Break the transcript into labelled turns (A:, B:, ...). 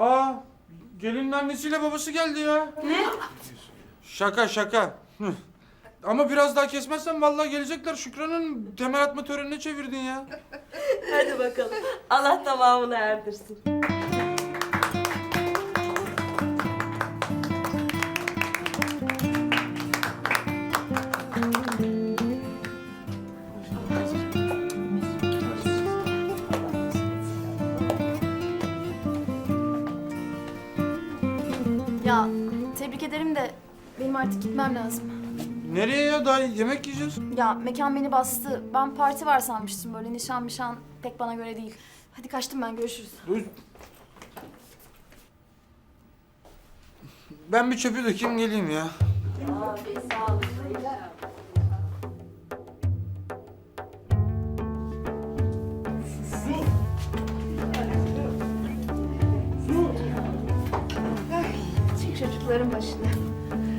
A: Aa, gelinin annesiyle babası geldi ya.
B: Ne?
A: Şaka şaka. Hıh. Ama biraz daha kesmezsen vallahi gelecekler. Şükran'ın temel atma törenine çevirdin ya.
B: Hadi bakalım. Allah tamamını erdirsin.
C: Ya tebrik ederim de benim artık gitmem lazım.
A: Nereye ya? Daha yemek yiyeceğiz.
C: Ya mekan beni bastı. Ben parti var sanmıştım. Böyle nişan pek bana göre değil. Hadi kaçtım ben, görüşürüz.
A: Dur. Ben bir çöpü dökeyim geleyim ya.
B: Abi sağ olun.
C: Çık çocukların başına.